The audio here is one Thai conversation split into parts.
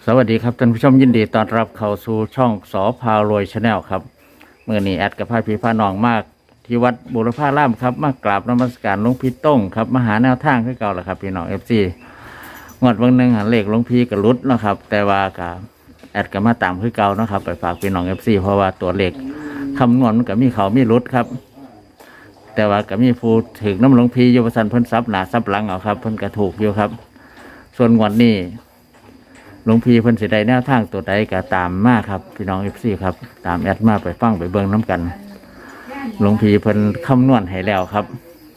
สวัสดีครับท่านผู้ชมยินดีต้อนรับเข้าสู่ช่องสอพารวยชาแนลครับเมื่อนี้แอดกับพาพี่พาน้องมากที่วัดบุรพารามครับมากราบนมัสการหลวงพี่ต้งครับมาหาแนวทางคือเก่าแหละครับพี่น้องFCงวดวันหนึ่งหันเลขหลวงพี่กับรุดเนาะครับแต่ว่ากับแอดกับมาตามคือเก่าเนาะครับไปฝากพี่น้อง FC เพราะว่าตัวเลขคำนวณมันก็มีเขามีรุดครับแต่ว่าก็มีผู้ถึงน้ำหลวงพี่โยบสันเพิ่นซับหนาซับหลังเอาครับเพิ่นกระถูกอยู่ครับส่วนงวดนี้หลวงพี่เพิ่นสิได้แนวทางตัวใดก็ตามมาครับพี่น้องFCครับตามแอดมาไปฟังไปเบิ่งน้ำกันหลวงพี่เพิ่นคำนวณให้แล้วครับ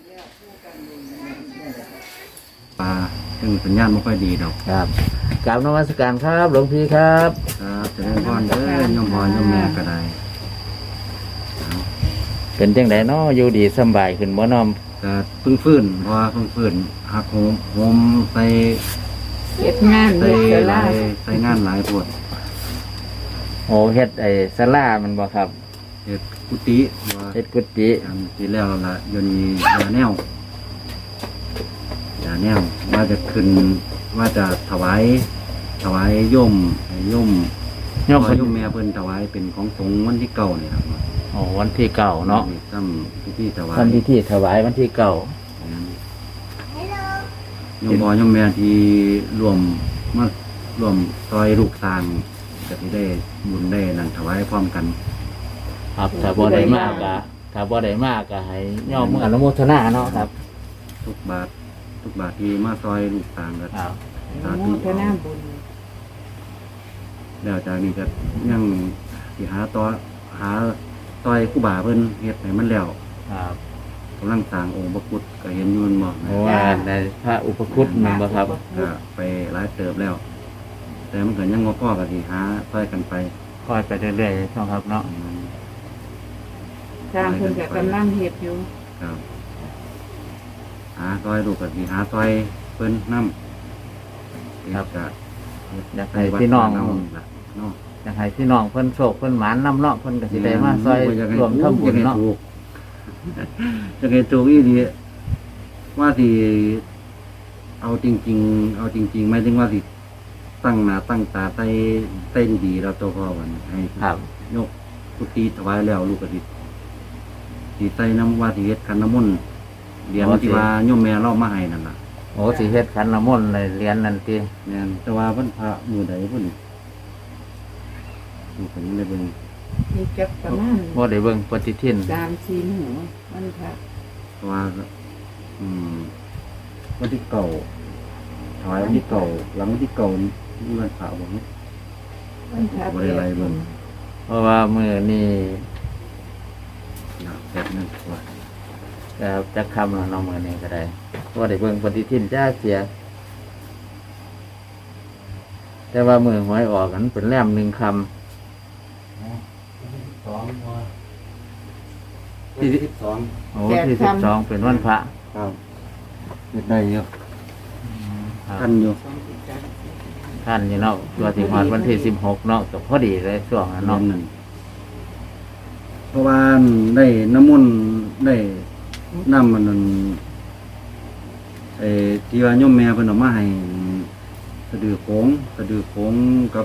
ซึ่งสัญญาณไม่ค่อยดีดอกครับกราบนมัสการครับหลวงพี่ครับครับจะได้พรเด้อยมพรยมแม่ก็ได้เป็นจังไดเนาะอยู่ดีสบายขึ้นบ่น้อมแต่เพิ่งฟื้นเพราะว่าเพิ่งฟื้นหักโหมใส่เฮ็ดงานใส่เฮ็ดหลาลายใส่งานหลายปวดโอ้เฮ็ดไอ้ศาลามันบ่ครับเฮ็ดกุฏิว่าเฮ็ดกุฏิอันที่แล้วละยนนี้ยาแนวว่าจะขึ้นว่าจะถวายโยมโยมโยเพิ่นมแม่เพิ่นถวายเป็นของสงฆ์วันที่เก้านี่ครับโอ้วันที่เก้าเนาะทำพิธีถวายทำพิธีถวายวันที่เก้าโยมพ่อโยมแม่ที่รวมซอยลูกสร้างจะได้บุญได้นั่นถวายพร้อมกันครับถ้าบ่ได้มากก็ให้ย่อมอนุโมทนาเนาะครับทุกบาทที่มาซอยลูกสร้างก็ครับสาโมธุทนาบุญแล้วจากนี้ก็ยังสิหาซอยครูบาเพิ่นเฮ็ดให้มันแล้วครับกำลังสร้างองค์พระพุทธก็เห็นอยู่มันบ่เพราะว่าในพระอุปคุตมันบ่ครับก็ไปหลายเติบแล้ว แต่มันก็ยังบ่พอก็สิหาซอยกันไปค่อยไปเรื่อยๆเนาะครับเนาะสร้างเพิ่นก็กำลังเฮ็ดอยู่ครับหาซอยลูกก็สิหาซอยเพิ่นนำครับก็อยากให้พี่น้องเนาะอยากให้พี่น้องเพิ่นโชคเพิ่นหมานนำเนาะเพิ่นก็สิได้มาซอยรวมทำบุญเนาะจะให้ถูกอีดีว่าสิเอาจริงๆหมายถึงว่าสิตั้งหน้าตั้งตาใต้ดีเราตัวพ่อวันให้ครับยกกุฏิถวายแล้วลูกก็สิใส่น้ำว่าสิเฮ็ดขันน้ำมนต์เหรียญที่ว่าโยมแม่เล่ามาให้นั่นล่ะโอ้สิเฮ็ดขันน้ำมนต์ในเหรียญนั่นติแม่นแต่ว่าเพิ่นพระมือใดเพิ่นลูกก็ยังได้เบิ่งมีจักประมาณบ่ได้เบิ่งปฏิทิน 3-4หัวมันพระเพราะว่าวันที่เก่าถวายวันที่เก่าหลังวันที่เก่านี่วันพระบ่นี่มันพระบ่ได้ไล่เบิ่งเพราะว่ามื้อนี้นะแบบนั้นว่าก็จักคำแล้วเนาะมื้อนี้ก็ได้บ่ได้เบิ่งปฏิทินจ้าเสียแต่ว่ามื้อหวยออกกันเป็นแรม1ค่ำที่12 โอ้ที่12เป็นวันพระครับเฮ็ดได้อยู่ครัทับนอยู่ท่านอยู่เนาะตัวที่ฮอดวันที่16เนาะก็พอดีเลยช่วงนั้นเนาะเนาะนั่นเพราะว่าได้น้ำมนต์ได้น้ำมันนั่นที่ว่าโยมแม่เพิ่นเอามาให้สะดือโขงกับ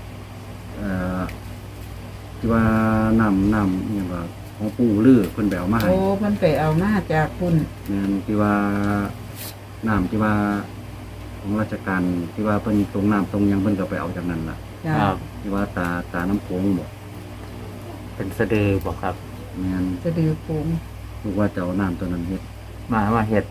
ที่ว่าน้ำอหยังว่าของปู่ลือเพิ่นไปเอามาให้โอ้เพิ่นไปเอามาจากพุ่นแม่นที่ว่าน้ำที่ว่าของราชการที่ว่าเพิ่นตรงน้ำตรงหยังเพิ่นก็ไปเอาจากนั้นล่ะจ้าครับที่ว่าตาน้ำโขงบ่เป็นสะดือบ่ครับแม่นสะดือโป่งลูกว่าจะเอาน้ำตัวนั้นเฮ็ดมาเฮ็ด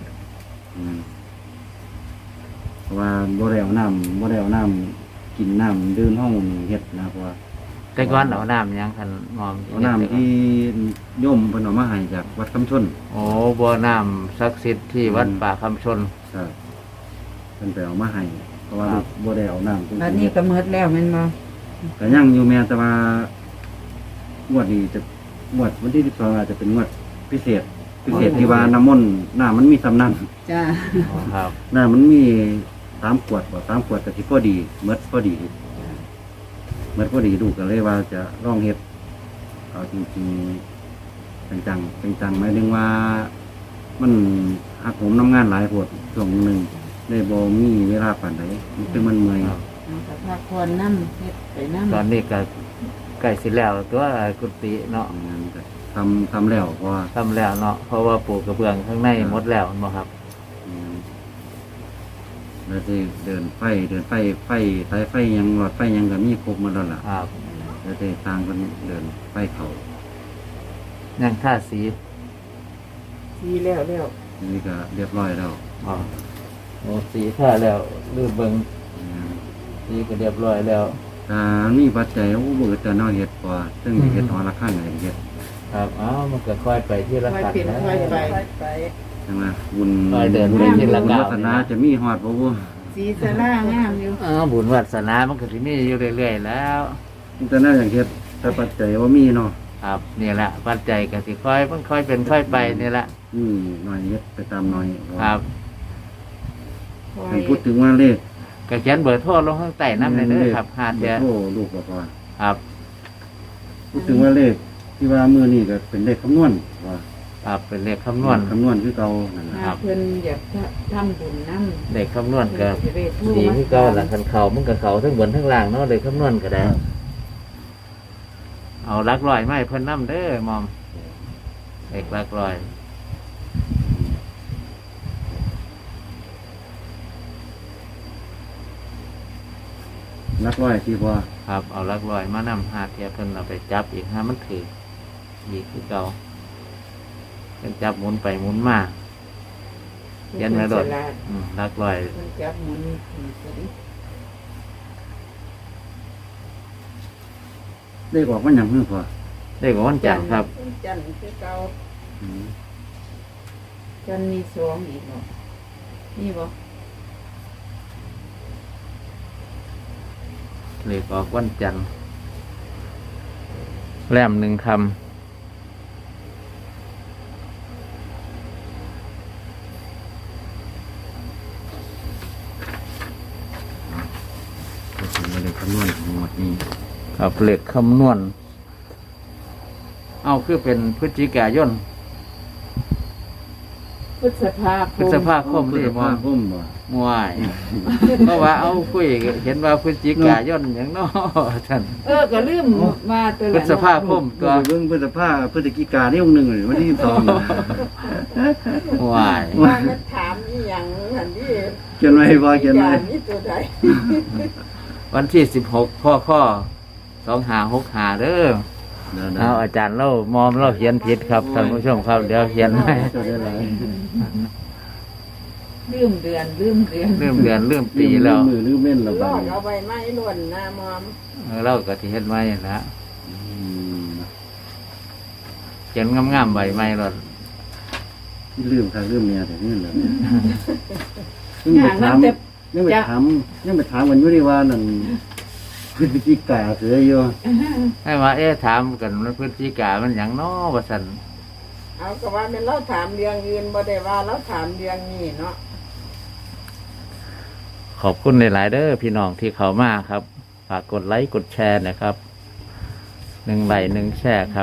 เพราะว่าบ่ได้เอาน้ำกินน้ำดื่มห้องเฮ็ดนะเพราะว่าแต่ก่อนเอาน้ำหยังคันมอมเอาน้ำที่โยมเพิ่นเอามาให้จากวัดคำชนโอ้บ่อน้ำศักดิ์สิทธิ์ที่วัดป่าคำชนครับเพิ่นไปเอามาให้เพราะว่าครับบ่ได้เอาน้ำบัดนี้ก็หมดแล้วแม่นบ่ก็ยังอยู่แม้แต่ว่างวดนี้จะงวดวันที่12อาจจะเป็นงวดพิเศษที่ว่าน้ำมนต์น้ำมันมีสำนันจ้าอ๋อครับน้ำมันมี3ขวดบ่3ขวดก็สิพอดีหมดพอดีลูกก็เลยว่าจะลองเฮ็ดเอาจริงๆจังหมายถึงว่ามันหักโหมน้ำงานหลายโพดช่วงหนึงได้บ่มีเวลาปานใดมันคือมันเมื่อยครับเอากับพาคอนน้ำเฮ็ดไปน้ำตอนนี้ก็ใกล้สิแล้วตัวกุฏิเนาะงานก็ทำแล้วเพราะว่าทำแล้วเนาะเพราะว่าปลูกกระเบื้องข้างในหมดแล้วเนาะครับแล้วที่เดินไฟสายไฟยังหลอดไฟยังก็มีครบหมาแล้วล่ะครับแล้วที่ทางคนเดินไฟเขายังท่าสีทีแล้วแล้วนี่ก็เรียบร้อยแล้วอ๋อโอ้สีท่าแล้วลืมเบิงสีก็เรียบร้อยแล้วถ้ามีปัจจัยโอ้เบิดจะนอกเฮ็ดกว่าซึ่งเฮ็ดหอละข้างอะไรเฮ็ดครับอ้าวมันก็ค่อยไปที่ละค่อยกันเป็นนะค่อยไปใช่ไหมบุญไปเดินไปที่ละบุญก้าววัฒนาจะมีฮอดบ่บ่สีสลางามอยู่อ้าวบุญวัสนามันก็ที่มีอยู่เรื่อยๆแล้วแต่น่าอย่างเฮ็ดแต่ปัจจัยว่ามีเนาะครับนี่แหละปัจจัยก็สิค่อยมันค่อยเป็นค่อยไปนี่แหละหน่อยเฮ็ดไปตามหน่อยครับค่อให้ยพูดถึงว่าเลขก็เขียนเบอร์โทรลงข้างใต้น้ำเลยเด้อครับหาเดียโอ้ลูกบอกว่าครับพูดถึงว่าเลขที่ว่ามือนี่ก็เป็นเลขคำนวณว่าครับเป็นเลขคำนวณคำนวณคือเก่านั่นแหละหาเพิ่นอยากทำบุญน้ำเลขคำนวณก็เพิ่นจะได้โทรดีมาที่เก่าหลังคันเขามันกับเขาทั้งบนทั้งล่างเนาะเลขคำนวณก็ได้ เอาหลักร้อยไม่เพิ่นน้ำเด้อมอมเลขหลักร้อยนักร้อยที่ว่าครับเอาหลักร้อยมานำหาเทียเพิ่นเอาไปจับอีกห้ามันถืออีกคือเก่าเพิ่นจับหมุนไปหมุนมาเขียนไว้โดดฉลาดหลักร้อยเพิ่นจับหมุนถือซะดิเลขออกมันอย่างนี้พอเลขของวันจันทร์ครับจันทร์คือเก่าอืมจันทร์มีสองอีกบ่นี่บ่เลขออกวันจันทร์แรมหนึ่งคพูดถึงว่าเลขคำนวณของหมดนี้ำครับเลขคำนวณ เอาคือเป็นพฤศจิกายนพฤษภาคพฤษมภาคมพฤนี่ษมอภาม คมบ่มวย เพราะว่าเอาคุยเห็นว่าพฤศจิกายนอย่างน้อท่านก็ลืมมาตัวพฤษภาคมก็ตัวเบิ่งพฤษภาพฤศจิกาที่องค์หนึ่งเลยวันที่22น่ะมวยว่ามันถามอีหยังหั่นดิเขียนไว้บ่เขียนไว้นี่ตัวใดวันที่16ข้อ2565เด้อเดี๋ยวเอาอาจารย์เล่ามอมเล่าเขียนผิดครับท่านผู้ชมครับเดี๋ยวเขียนให้จะได้หลายลืมเดือนเริ่มเดือนเริ่มปีแล้วมือลืมเล่นและลบาอดกนี้เอาใบไม้ล้วนหน้ามอมเราก็ที่เฮ็ดไว้นะอืมเขียนงามๆใบไม้รถลืมค่ะลืมเนี่ยแต่นี่แหละอย่างนั้นแต่ยังไปถามวันยุริวานั่นพฤศจิกาเสืออยู่ให้ว่าถามกันว่าพฤศจิกามันหยังน้อว่าซั่นเอาก็ว่าเป็นเราถามเรื่องอื่นบ่ได้ว่าเราถามเรื่องนี้เนาะขอบคุณหลายๆเด้อพี่น้องที่เข้ามาครับฝากกดไลค์กดแชร์นะครับ1 ไลค์1 แชร์ครับ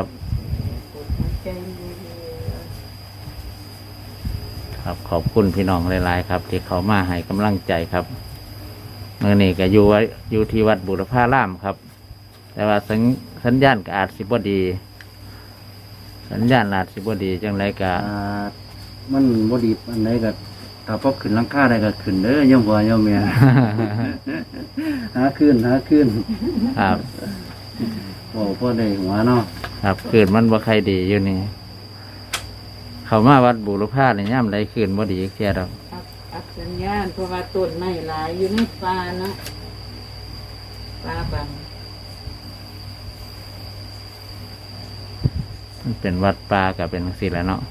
ครับขอบคุณพี่น้องหลายๆครับ ที่เขามาให้กำลังใจครับเมื่อนี้ก็อยู่ที่วัดบุรพารามครับ แต่ว่าสัญญาณก็อาจสิบ่ดี สัญญาณอาจสิบ่ดีจังไรก็มันบ่ดีอันไหนก็ถ้าพอขึ้นหลังคาได้ก็ขึ้นเด้อยามบ่ยามแม่ หาขึ้นครับโอ้พอได้หัวเนาะครับคืนมันบ่ใครดีอยู่นี่เขามาวัดบุรพาเนี่ยย่ำไรคืนบ่ดีแค่ดอกอักสัญญาณเพราะว่าต้นไม้หลายอยู่ในป่าเนาะป่าบังมันเป็นวัดป่ากับเป็นสิแหล้วเนาะ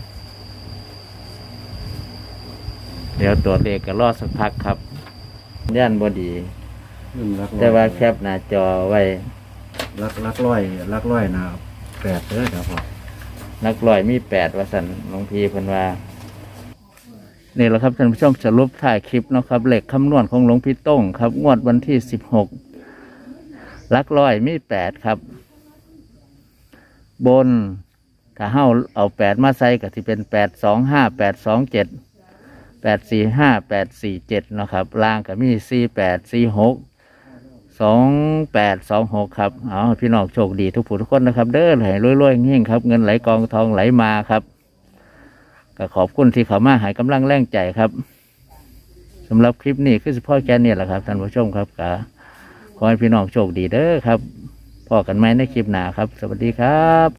เดี๋ยวตัวเลขก็รอสักพักครับย่านบ่ดี แต่ว่าแคปหน้าจอไว้ลักร้อยนะ8เด้อครับพ่อนักลอยมี8ว่าสันหลวงพี่เพิ่นว่านี่แหละครับท่านผู้ชมสรุปถ่ายคลิปเนาะครับเลขคำนวณของหลวงพี่ต้งครับงวดวันที่16ลักลอยมี8ครับบนถ้าเฮาเอา8มาใส่ก็สิเป็น825 827 845 847เนาะครับล่างก็มี48 46 2826ครับเอาให้พี่น้องโชคดีทุกผู้ทุกคนนะครับเด้อให้รวยๆเฮงๆครับเงินไหลกองทองไหลมาครับก็ขอบคุณที่เขามาให้กำลังแรงใจครับสำหรับคลิปนี้คือเฉพาะแค่นี้แหละครับท่านผู้ชมครับก็ขอให้พี่น้องโชคดีเด้อครับพอกันไหมในคลิปหน้าครับสวัสดีครับ